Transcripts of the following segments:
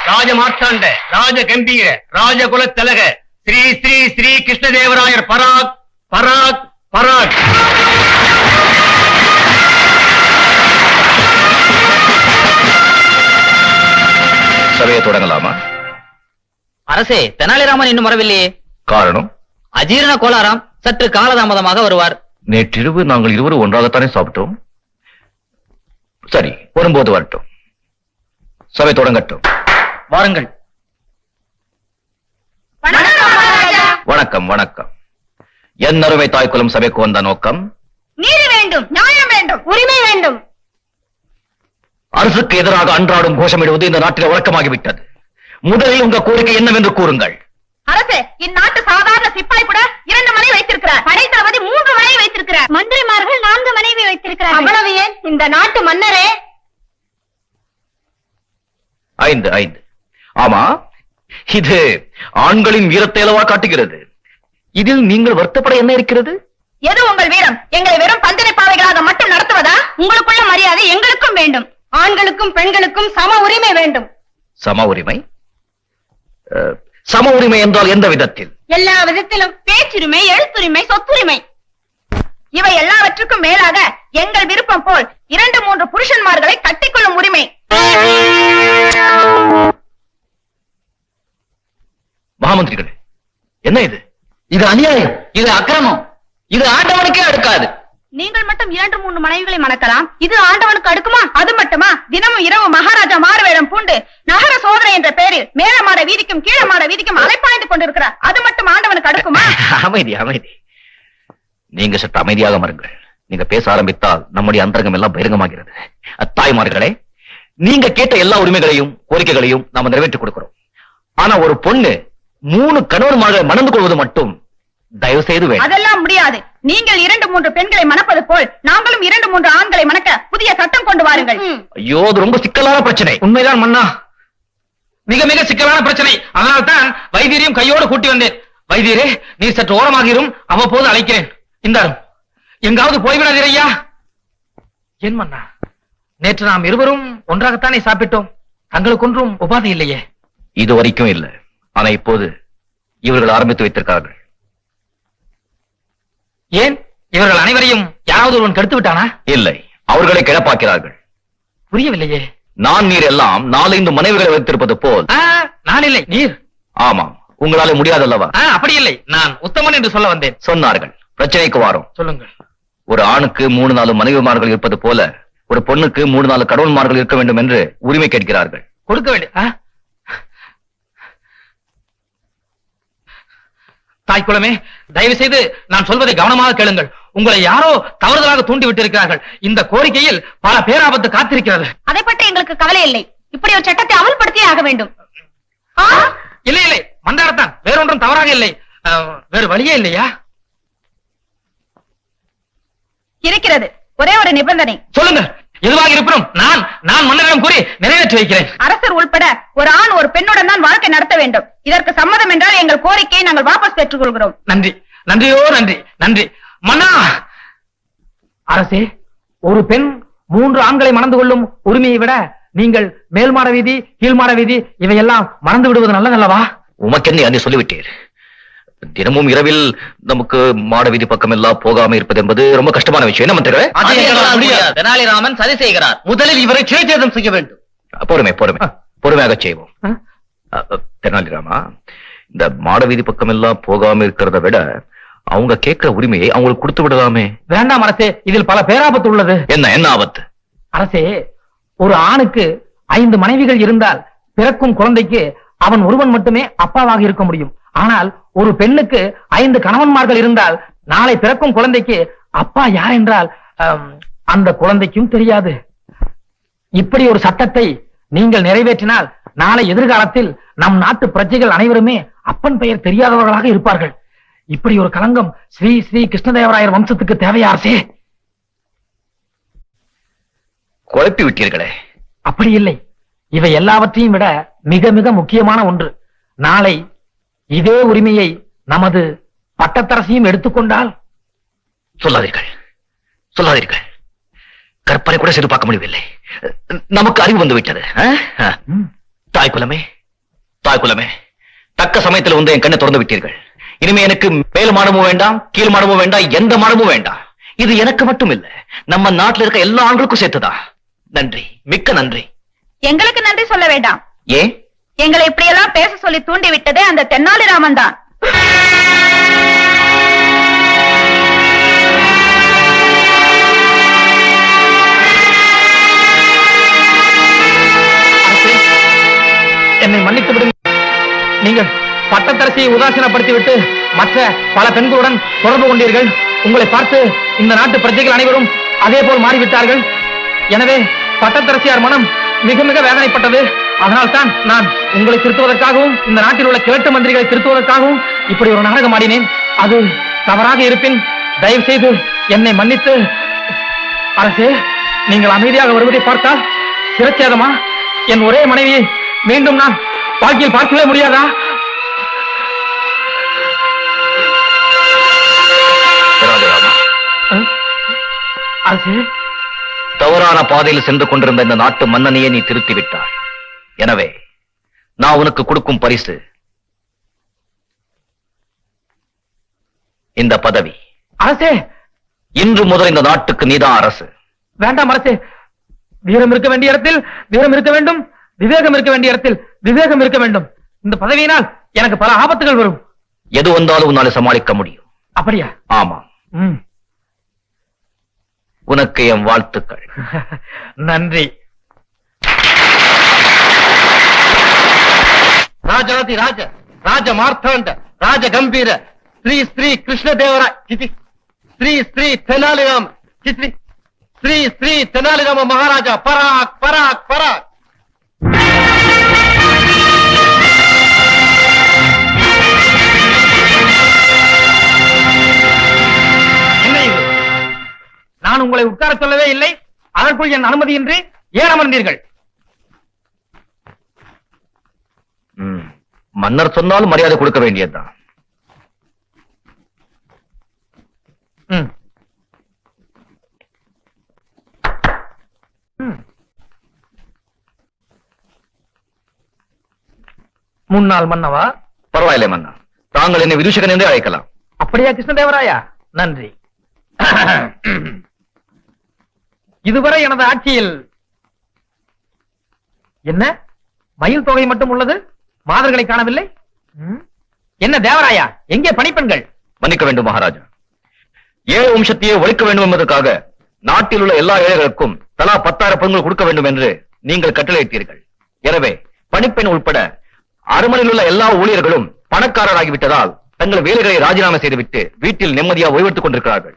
ராஜமார்த்தாண்ட ராஜ கம்பீர ராஜகுல தலக ஸ்ரீ ஸ்ரீ ஸ்ரீ கிருஷ்ணதேவராயர் பராக் பராக் பராக். சபையை தொடங்கலாமா? அரசே, தெனாலிராமன் இன்னும் வரவில்லையே. காரணம்? அஜீரண கோளாறாம், சற்று காலதாமதமாக வருவார். நேற்றிரவு நாங்கள் இருவரும் ஒன்றாகத்தானே சாப்பிட்டோம். சரி, வரும்போது வரட்டும். சபை தொடங்கட்டும். வாருங்கள். வணக்கம் வணக்கம். என் அருமை தாய்க்குலம் சபைக்கு வந்த நோக்கம் நீதி வேண்டும், நியாயம் வேண்டும், உரிமை வேண்டும். அரசுக்கு எதிராக அன்றாடும் கோஷமிடுவது இந்த நாட்டில் வழக்கமாகிவிட்டது. முதலில் உங்க கோரிக்கை என்னவென்று கூறுங்கள். அரசே, இந்நாட்டு சாதாரண சிப்பாய் கூட 2 மனைவி வைத்திருக்கிறார். படைத்தளபதி 3 மனைவி வைத்திருக்கிறார். மந்திரிமார்கள் 4 மனைவி வைத்திருக்கிறார். அவ்வளவு ஏன், இந்த நாட்டு மன்னரே 5. ஆமா, இது ஆண்களின் வீரத்தை அளவா காட்டுகிறது. இதில் நீங்கள் வருத்தப்பட என்ன இருக்கிறது? எது உங்கள் வீரம்? எங்களை வெறும் பந்தனை பாவைகளாக மட்டும் நடத்துவதா? உங்களுக்குள்ள மரியாதை எங்களுக்கும் வேண்டும். ஆண்களுக்கும் பெண்களுக்கும் சம உரிமை வேண்டும். சம உரிமை? சம உரிமை என்றால் எந்த விதத்தில்? எல்லா விதத்திலும். பேச்சுரிமை, எழுத்துரிமை, சொத்துரிமை, இவை எல்லாவற்றுக்கும் மேலாக எங்கள் விருப்பம் போல் 2-3 புருஷன்மார்களை கட்டிக்கொள்ளும் உரிமை. மகாமந்திரிகளே, என்ன இது? இது அநியாயம், இது அக்கிரமம், இது ஆண்டவனுக்கே அடுக்காது. நீங்கள் மட்டும் 2-3 மனைவிகளை மணக்கலாம், இது ஆண்டவனுக்கு அடுக்குமா? அது மட்டுமா? தினமும் இரவு மகாராஜா மாறுவேடம் பூண்டு நகர சோதனை என்ற பெயரில் மேலமாட வீதிக்கும் கீழமாட வீதிக்கும் அலைப்பாய்ந்து கொண்டிருக்கிறார். அது மட்டும் ஆண்டவனுக்கு அடுக்குமா? அமைதி அமைதி. நீங்க சற்று அமைதியாக மருங்கள். நீங்க பேச ஆரம்பித்தால் நம்முடைய அந்தரங்கம் எல்லாம் பகிரங்கமாகிறது. தாய்மார்களே, நீங்க கேட்ட எல்லா உரிமைகளையும் கோரிக்கைகளையும் நாம நிறைவேற்றிக் கொடுக்கிறோம். ஆனா ஒரு பொண்ணு 3 கணவன்மார்களை மணந்து கொள்வது மட்டும் தயவு செய்து வேண்டும். அதெல்லாம் முடியாது. நீங்கள் 2-3 பெண்களை மணப்பது போல் நாங்களும் 2-3 ஆண்களை மணக்க புதிய சட்டம் கொண்டு வாருங்கள். ஐயோ, அது ரொம்ப சிக்கலான பிரச்சனை. உண்மைதான் மன்னா, மிக மிக சிக்கலான பிரச்சனை. அதனால்தான் வைத்தியரையும் கையோடு கூட்டி வந்தேன். வைத்தியரே, நீ சற்று ஓரமாகிரும், அவ்வப்போது அழைக்கிறேன். இந்தாரும், எங்காவது போய்விடாதீர் ஐயா. என் மன்னா, நேற்று நாம் இருவரும் ஒன்றாகத்தானே சாப்பிட்டோம். தங்களுக்கு ஒன்றும் உபாதை இல்லையே? இது வரைக்கும் இல்ல. ஆனா இப்போது இவர்கள் ஆரம்பித்து வைத்திருக்கிறார்கள். ஏன், இவர்கள் அனைவரையும் யாராவது ஒருவன் கெடுத்து விட்டானா? இல்லை, அவர்களை கிளப்பாக்கிறார்கள். புரியவில்லையே. நான் நீர் எல்லாம் 4-5 மனைவிகளை வைத்திருப்பது போல். நான் இல்லை, நீர். ஆமாம், உங்களால முடியாதல்லவா? அப்படி இல்லை, நான் உத்தமன் என்று சொல்ல வந்தேன். சொன்னார்கள். பிரச்சனைக்கு வாரும். சொல்லுங்கள். ஒரு ஆணுக்கு 3-4 மனைவிமார்கள் இருப்பது போல ஒரு பொண்ணுக்கு 3-4 கடவுள்மார்கள் இருக்க வேண்டும் என்று உரிமை கேட்கிறார்கள். கொடுக்க வேண்டிய தாய்க்குளமே, தயவு செய்து நான் சொல்வதை கவனமாக கேளுங்கள். உங்களை யாரோ தவறுதலாக தூண்டி விட்டிருக்கிறார்கள். இந்த கோரிக்கையில் பல பேராபத்து காத்திருக்கிறது. அதை பற்றி எங்களுக்கு கவலை இல்லை. இப்படி ஒரு சட்டத்தை அமல்படுத்தியே ஆக வேண்டும். இல்லை இல்லை, மந்தாரத்தான், வேறொன்றும் தவறாக இல்லை. வேறு வழியே இல்லையா? இருக்கிறது. ஒரே ஒரு நிபந்தனை. சொல்லுங்க. எதுவாக இருப்பினும் நான் மன்னரிடம் கூறி நிறைவேற்றி வைக்கிறேன். அரசர் உள்பட ஒரு ஆண் ஒரு பெண்ணுடன் தான் வாழ்க்கை நடத்த வேண்டும். இதற்கு சம்மதம் என்றால் எங்கள் கோரிக்கையை நாங்கள் வாபஸ் பெற்றுக் கொள்கிறோம். நன்றி, நன்றியோ நன்றி, நன்றி மன்னா. அரசே, ஒரு பெண் 3 ஆண்களை மணந்து கொள்ளும் உரிமையை விட நீங்கள் மேல் மாட வீதி கீழ் மாட வீதி இவையெல்லாம் மறந்து விடுவது நல்லதல்லவா? உமக்கென்ன அதை சொல்லிவிட்டீர். தினமும் இரவில் நமக்கு மாட வீதி பக்கம் எல்லாம் போகாம இருப்பது என்பது ரொம்ப கஷ்டமான விஷயம். என்ன மந்திரிகளே? தெனாலிராமன் சதி செய்கிறார். முதலில் இவரை சிறைச்சேதம் செய்ய வேண்டும். பொறுமையாக செய்வோம். தெனாலிராமா, இந்த மாட வீதி பக்கம் எல்லாம் போகாம இருக்கிறத விட அவங்க கேட்கிற உரிமையை அவங்களுக்கு கொடுத்து விடலாமே. வேண்டாம் அரசே, இதில் பல பேராபத்து உள்ளது. என்ன ஆபத்து? அரசே, ஒரு ஆணுக்கு 5 மனைவிகள் இருந்தால் பிறக்கும் குழந்தைக்கு அவன் ஒருவன் மட்டுமே அப்பாவாக இருக்க முடியும். ஆனால் ஒரு பெண்ணுக்கு 5 கணவன்மார்கள் இருந்தால் நாளை பிறக்கும் குழந்தைக்கு அப்பா யார் என்றால் அந்த குழந்தைக்கும் தெரியாது. இப்படி ஒரு சட்டத்தை நீங்கள் நிறைவேற்றினால் நாளை எதிர்காலத்தில் நம் நாட்டு பிரஜைகள் அனைவருமே அப்பன் பெயர் தெரியாதவர்களாக இருப்பார்கள். இப்படி ஒரு களங்கம் ஸ்ரீ ஸ்ரீ கிருஷ்ணதேவராயர் வம்சத்துக்கு தேவையா அரசே? குழப்பி விட்டீர்களே. அப்படி இல்லை, இவை எல்லாவற்றையும் விட மிக மிக முக்கியமான ஒன்று. நாளை இதே உரிமையை நமது பட்டத்தரசியும் எடுத்துக்கொண்டால். சொல்லாதீர்கள். கற்பனை கூட செய்து பார்க்க முடியவில்லை. நமக்கு அறிவு வந்து விட்டது. தாய் குலமே தக்க சமயத்துல வந்து என் கண்ணை திறந்து விட்டீர்கள். இனிமே எனக்கு மேல் மாடமும் வேண்டாம், கீழ் மாடமும் வேண்டாம், எந்த மாடமும் வேண்டாம். இது எனக்கு மட்டும் இல்ல, நம்ம நாட்டுல இருக்க எல்லா ஆண்களுக்கும் சேர்த்துதான். நன்றி, மிக்க நன்றி. எங்களுக்கு நன்றி சொல்ல வேண்டாம். ஏன்? எங்களை இப்படியெல்லாம் பேச சொல்லி தூண்டி விட்டதே அந்த தென்னாலிராமன் தான். என்னை மன்னித்து விடுங்கள். நீங்கள் பட்டத்தரசியை உதாசீனப்படுத்தி விட்டு மற்ற பல பெண்களுடன் தொடர்பு கொண்டீர்கள். உங்களை பார்த்து இந்த நாட்டு பிரஜைகள் அனைவரும் அதே போல் மாறிவிட்டார்கள். எனவே பட்டத்தரசியார் மனம் மிக மிக வேதனைப்பட்டது. அதனால்தான் நான் உங்களை திருத்துவதற்காகவும் இந்த நாட்டில் உள்ள கிழட்டு மந்திரிகளை திருத்துவதற்காகவும் இப்படி ஒரு நாடகம் ஆடினேன். அது தவறாக இருப்பின் தயவு செய்து என்னை மன்னித்து. அரசே, நீங்கள் அமைதியாக வருவதை பார்த்தால் சிரச்சேதமா? என் ஒரே மனைவியை மீண்டும் நான் வாழ்க்கையில் பார்க்கவே முடியாதா? அரசே, தவறான பாதையில் சென்று கொண்டிருந்த இந்த நாட்டு மன்னனையே நீ திருத்தி விட்டாய். எனவே நான் உனக்கு கொடுக்கும் பரிசு இந்த பதவி. அரசே, இன்று முதல் இந்த நாட்டுக்கு நீதான் அரசு. வேண்டாம் அரசே. வீரம் இருக்க வேண்டிய இடத்தில் வீரம் இருக்க வேண்டும், விவேகம் இருக்க வேண்டிய இடத்தில் விவேகம் இருக்க வேண்டும். இந்த பதவியினால் எனக்கு பல ஆபத்துகள் வரும். எது வந்தாலும் உன்னால சமாளிக்க முடியும். அப்படியா? ஆமா. உனக்கு என் வாழ்த்துக்கள். நன்றி. ராஜாதி ராஜ ராஜ மார்த்தாண்ட ராஜ கம்பீர ஸ்ரீ ஸ்ரீ கிருஷ்ணதேவராய் சிதி ஸ்ரீ ஸ்ரீ தெனாலிராம சிதி ஸ்ரீ ஸ்ரீ தெனாலிராம மகாராஜா பராக் பராக் பராக். என்ன இது? நான் உங்களை உட்கார சொல்லவே இல்லை. அதற்குள் என் அனுமதியின்றி ஏன் அமர்ந்தீர்கள்? மன்னர் சொன்னாலும் மரியாதை கொடுக்க வேண்டியதுதான். முன்னாள் மன்னவா? பரவாயில்லை மன்னா, தாங்கள் என்னை விதூஷகன் என்றே அழைக்கலாம். அப்படியா கிருஷ்ணதேவராயா? நன்றி. இதுவரை எனது ஆட்சியில் என்ன மயில் தொகை மட்டும் உள்ளது, மாதர்களை காணவில்லை. என்ன தேவராயா, எங்கே பணிப்பெண்கள்? மன்னிக்க வேண்டும் மகாராஜா, ஏழை வம்சத்தையே ஒழிக்க வேண்டும் என்பதற்காக நாட்டில் உள்ள எல்லா ஏழைகளுக்கும் தலா 10,000 பெண்கள் கொடுக்க வேண்டும் என்று நீங்கள் கட்டளையிட்டீர்கள். எனவே பணிப்பெண் உட்பட அரண்மனையில் உள்ள எல்லா ஊழியர்களும் பணக்காரராகிவிட்டதால் தங்கள் வேலைகளை ராஜினாமா செய்துவிட்டு வீட்டில் நிம்மதியாக ஓய்வெடுத்துக் கொண்டிருக்கிறார்கள்.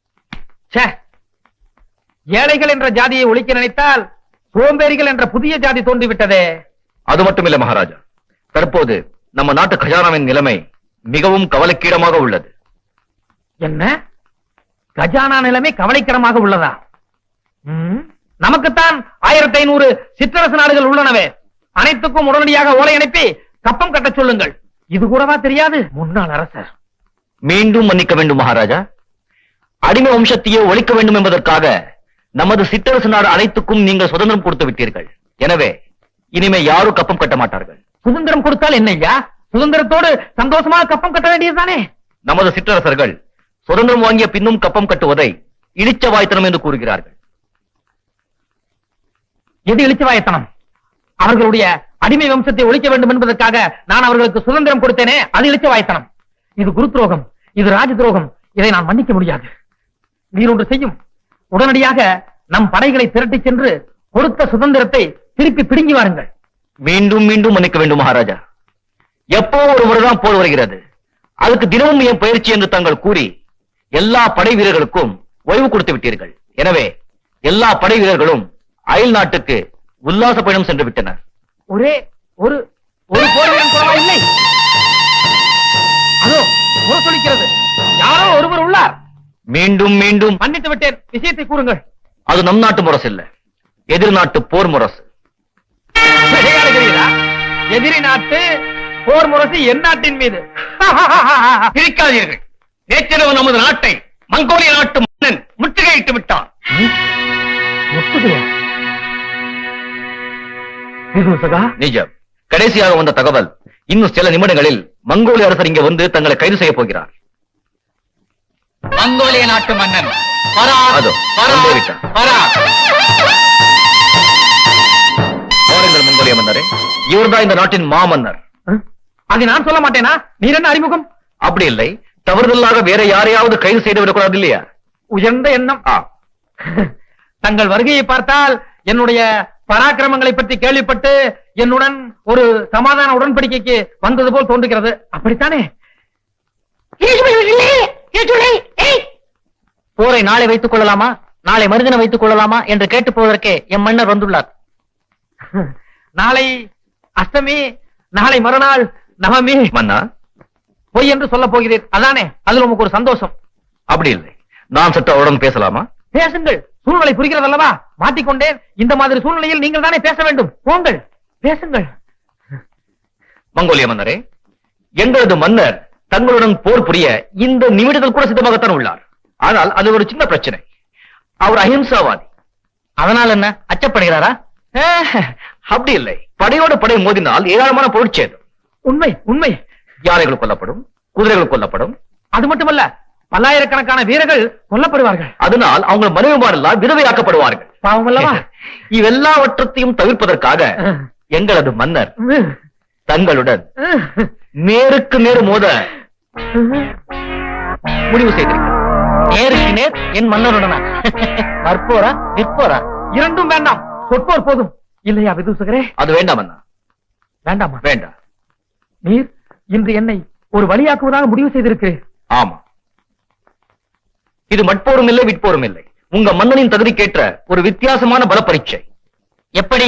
ஏழைகள் என்ற ஜாதியை ஒழிக்க நினைத்தால் சோம்பேறிகள் என்ற புதிய ஜாதி தோன்றிவிட்டதே. அது மட்டுமில்லை மகாராஜா, தற்போது நம்ம நாட்டு கஜானாவின் நிலைமை மிகவும் கவலைக்கிடமாக உள்ளது. என்ன? கஜானா நிலைமை கவலைக்கிடமாக உள்ளதா? நமக்குத்தான் 1500 சிற்றரசு நாடுகள் உள்ளனவே. அனைத்துக்கும் உடனடியாக ஓலை அனுப்பி கப்பம் கட்ட சொல்லுங்கள். இது கூடவா தெரியாது முன்னாள் அரசர்? மீண்டும் மன்னிக்க வேண்டும் மகாராஜா, அடிமை வம்சத்தையே ஒழிக்க வேண்டும் என்பதற்காக நமது சிற்றரசு நாடு அனைத்துக்கும் நீங்கள் சுதந்திரம் கொடுத்து விட்டீர்கள். எனவே இனிமே யாரும் கப்பம் கட்ட மாட்டார்கள். சுதந்திரம் கொடுத்தால் என்னையா? சுதந்திரத்தோடு சந்தோஷமாக கப்பம் கட்ட வேண்டியதுதானே? நமது சிற்றரசர்கள் சுதந்திரம் வாங்கிய பின்னும் கப்பம் கட்டுவதை இளிச்சவாய்த்தனம் என்று கூறுகிறார்கள். எது இளிச்சவாயத்தனம்? அவர்களுடைய அடிமை வம்சத்தை ஒழிக்க வேண்டும் என்பதற்காக நான் அவர்களுக்கு சுதந்திரம் கொடுத்தேனே, அது இளிச்சவாயத்தனம். இது குரு துரோகம், இது ராஜ துரோகம். இதை நான் மன்னிக்க முடியாது. நீர் ஒன்று செய்யும், உடனடியாக நம் படைகளை திரட்டி சென்று கொடுத்த சுதந்திரத்தை திருப்பி பிடுங்கி வாருங்கள். மீண்டும் மீண்டும் மன்னிக்க வேண்டும் மகாராஜா, எப்போ ஒரு முறைதான் போர் வருகிறது, அதுக்கு தினமும் என் பயிற்சி என்று தாங்கள் கூறி எல்லா படை வீரர்களுக்கும் ஓய்வு கொடுத்து விட்டீர்கள். எனவே எல்லா படை வீரர்களும் அயல் நாட்டுக்கு உல்லாச பயணம் சென்று விட்டனர். ஒரே ஒரு போர் வீரன் கூடவா இல்லை? அதோ ஒரு சொல்லிக்கிறது, யாரோ ஒருவர் உள்ளார். மீண்டும் மீண்டும் மன்னித்து விட்டேன், விஷயத்தை கூறுங்கள். அது நம் நாட்டு முரசு இல்ல, எதிர் நாட்டு போர் முரசு. விளையாடுகிறீரா? எதிரி நாட்டு போர் முரசு என் நாட்டின் மீது. பிரிக்காதீர்கள். நேற்றிரவு நமது நாட்டை மங்கோலிய நாட்டு மன்னன் முற்றுகையிட்டு விட்டான். முற்றுகையா? விதூசகா, நிஜம். கடைசியாக வந்த தகவல், இன்னும் சில நிமிடங்களில் மங்கோலிய அரசர் இங்க வந்து தங்களை கைது செய்ய போகிறார். மங்கோலிய நாட்டு மன்னன் அதோ, பராக், வந்தே விட்டார். பராக். பாருங்கள் மங்கோலிய மன்னரே, இவர்தான் இந்த நாட்டின் மாமன்னர். அதை நான் சொல்ல மாட்டேனா? நீர் என்ன அறிமுகம்? அப்படி இல்லை, தவறுதலாக வேற யாரையாவது கைது செய்து விடக்கூடாது இல்லையா? உயர்ந்த எண்ணம். தங்கள் வருகையை பார்த்தால் என்னுடைய பராக்கிரமங்களை பற்றி கேள்விப்பட்டு என்னுடன் ஒரு சமாதான உடன்படிக்கைக்கு வந்தது போல் தோன்றுகிறது. அப்படித்தானே? போரை நாளை வைத்துக் கொள்ளலாமா, நாளை மறுதினம் வைத்துக் கொள்ளலாமா என்று கேட்டு போவதற்கே எம் மன்னர் வந்துள்ளார். நாளை அஷ்டமி, நாளை மறுநாள் நவமி. மன்னா, பொய் என்று சொல்ல போகிறீர், அதானே? அதுல உமக்கு ஒரு சந்தோஷம். அப்படி இல்லை, நான் சற்று அவருடன் பேசலாமா? பேசுங்கள், சூழ்நிலை புரிகிறது அல்லவா? மாட்டிக்கொண்டேன். இந்த மாதிரி சூழ்நிலையில் நீங்கள் தானே பேச வேண்டும். போங்கள், பேசுங்கள். மங்கோலிய மன்னரே, எங்களது மன்னர் தங்களுடன் போர் புரிய இந்த நிமிடத்தில் கூட சித்தமாகத்தான் உள்ளார். ஆனால் அது ஒரு சின்ன பிரச்சனை. அவர் அஹிம்சாவாதி. அதனால் என்ன, அச்சப்படுகிறாரா? அப்படி இல்லை, படையோடு படை மோதினால் ஏராளமான பொருட்சேதம். உண்மை, உண்மை. யானைகள் கொல்லப்படும், குதிரைகள் கொல்லப்படும். அது மட்டுமல்ல, பல்லாயிரக்கணக்கான வீரர்கள் கொல்லப்படுவார்கள். அதனால் அவங்க மனைவிமாரெல்லாம் விதவையாக்கப்படுவார்கள். பாவம் அல்லவா? இவெல்லாவற்றத்தையும் தவிர்ப்பதற்காக எங்களது மன்னர் தங்களுடன் நேருக்கு நேர் மோத முடிவு செய்திருக்கிறார். நேருக்கு நேர் என் மன்னருடனா? மற்போரா, விற்போரா? இரண்டும் வேண்டாம், சொற்போர் போதும். இல்லையா விதூசகரே? அது வேண்டாம் அண்ணா. வேண்டாமா? வேண்டாம். நீர் இன்று என்னை ஒரு வழியாக்குவதாக முடிவு செய்திருக்கிறேன். ஆமா, இது மட்போரும் இல்லை, விட்போரும் இல்லை. உங்க மன்னனின் தகுதிக்கேற்ற ஒரு வித்தியாசமான பல பரீட்சை. எப்படி?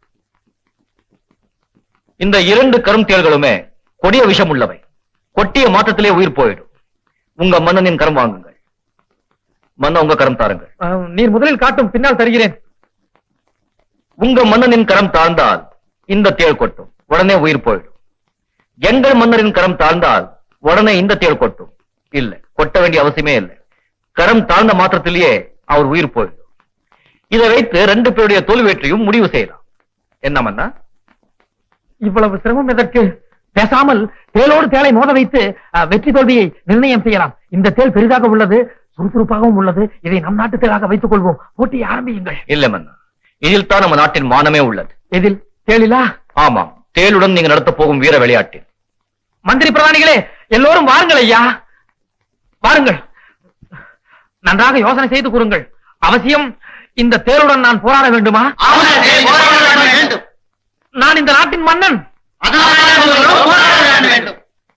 இந்த 2 கரும் தேள்களுமே கொடிய விஷம் உள்ளவை. கொட்டிய மாற்றத்திலே உயிர் போயிடும். உங்க மன்னனின் கரம் வாங்குங்கள். மன்ன, உங்க கரம் தாருங்கள். நீர் முதலில் காட்டும், பின்னால் தருகிறேன். உங்க மன்னனின் கரம் தாழ்ந்தால் இந்த தேள் கொட்டும், உடனே உயிர் போயிடும். எங்கள் மன்னரின் கரம் தாழ்ந்தால் உடனே இந்த தேள் கொட்டும். இல்ல, கொட்ட வேண்டிய அவசியமே இல்லை. கரம் தாழ்ந்த மாத்திரத்திலேயே அவர் உயிர் போயிடும். இதை வைத்து 2 பேருடைய தோல்வியற்றையும் முடிவு செய்யலாம். என்ன மன்னா? இவ்வளவு சிரமம் எதற்கு? பேசாமல் தேளோடு தேளை மோத வைத்து வெற்றி தோல்வியை நிர்ணயம் செய்யலாம். இந்த தேள் பெரிதாக உள்ளது, சுறுசுறுப்பாகவும் உள்ளது. இதை நம் நாட்டு தேளாக வைத்துக் கொள்வோம். போட்டியை ஆரம்பியுங்கள். இல்ல மன்னா, இதில் தான் நம்ம நாட்டின் மானமே உள்ளது. எதில்? தேளிலா? ஆமாம், தேளுடன் நீங்க நடத்த போகும் வீர விளையாட்டில். மந்திரி பிரதானிகளே, எல்லோரும் வாருங்கள் ஐயா, வாருங்கள். நன்றாக யோசனை செய்து கூறுங்கள். அவசியம் இந்த தேளுடன் நான் போராட வேண்டுமா? வேண்டும். நான் இந்த நாட்டின் மன்னன். வேண்டும்.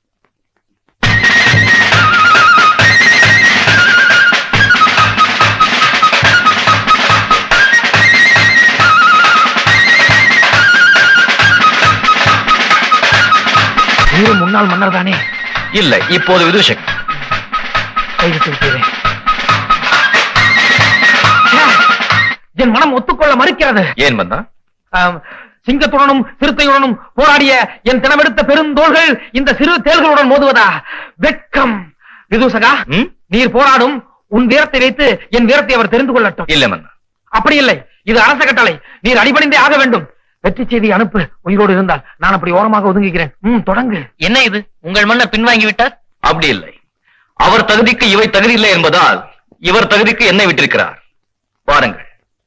நீரும் முன்னாள் மன்னர் தானே? இல்லை, இப்போது விதூஷக். கைவிட்டு விட்டீரேன். என் மனம் ஒத்துக்கொள்ள மறுக்கிறது. ஏன் மன்னா? சிங்கத்துடனும் சிறுத்தையுடனும் போராடிய என் தினமெடுத்த பெருந்தோள்கள் இந்த சிறு தேள்களுடன் மோதுவதா? வெட்கம். விதூசகா, நீர் போராடும். உன் வீரத்தை வைத்து என் வீரத்தை அவர் தெரிந்து கொள்ளட்டும். இல்ல மன்னா. அப்படி இல்லை, இது அரச கட்டளை. நீர் அடிபணிந்தே ஆக வேண்டும். வெற்றி செய்தி அனுப்பு. உயிரோடு இருந்தால் நான் அப்படி ஓரமாக ஒதுங்குகிறேன். தொடங்கு. என்ன இது, உங்கள் மன்னர் பின்வாங்கி விட்டார்? அப்படி இல்லை, அவர் தகுதிக்கு இவை தகுதி இல்லை என்பதால் இவர் தகுதிக்கு என்னை விட்டிருக்கிறார். பாருங்கள்.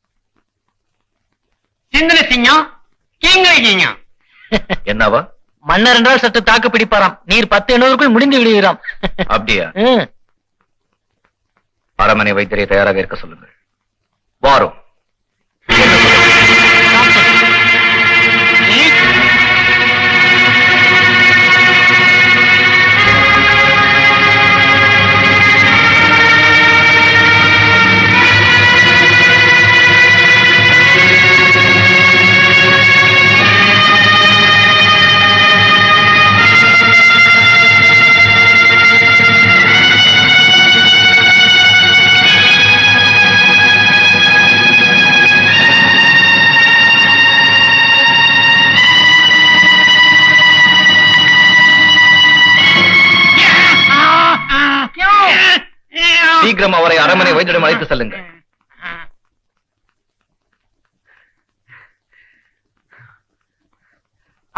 சிந்தனை சிங்கம், கீங்கை சிங்கம். என்னவா? மன்னர் என்றால் சற்று தாக்கு பிடிப்பாராம். நீர் 10 எண்ணுவதற்குள் முடிந்து விடுவீராம். அப்படியா? அரமனை வைத்தியரை தயாராக இருக்க சொல்லுங்கள். வாரும். சீக்கிரம் அவரை அரமனை வைத்தியம் அழைத்து செல்லுங்கள்.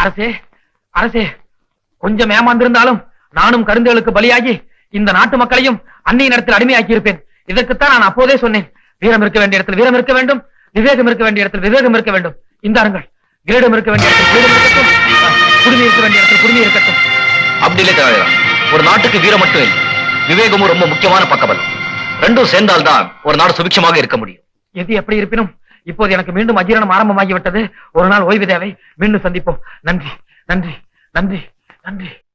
அரசே அரசே, கொஞ்சம் ஏமாந்திருந்தாலும் நானும் கருந்துகளுக்கு பலியாகி இந்த நாட்டு மக்களையும் அன்னையின் இடத்தில் அடிமையாக்கி இருப்பேன். இதற்குத்தான் நான் அப்போதே சொன்னேன், வீரம் இருக்க வேண்டிய இடத்தில் வீரம் இருக்க வேண்டும், விவேகம் இருக்க வேண்டிய இடத்தில் விவேகம் இருக்க வேண்டும். இந்தாருங்கள், கிரீடம் இருக்க வேண்டிய இடத்தில் கிரீடம் இருக்கட்டும், குடுமி இருக்க வேண்டிய இடத்தில் குடுமி இருக்கட்டும். அப்படி இல்லை தெனாலிராம். ஒரு நாட்டுக்கு வீரம் மட்டும் இல்லை, விவேகமும் ரொம்ப முக்கியமான பக்கபலம். ரெண்டும் சேர்ந்தால்தான் ஒரு நாடு சுபிட்சமாக இருக்க முடியும். எது எப்படி இருப்பினும் இப்போது எனக்கு மீண்டும் அஜீரணம் ஆரம்பமாகிவிட்டது. ஒரு நாள் ஓய்வு தேவை. மீண்டும் சந்திப்போம். நன்றி நன்றி நன்றி நன்றி.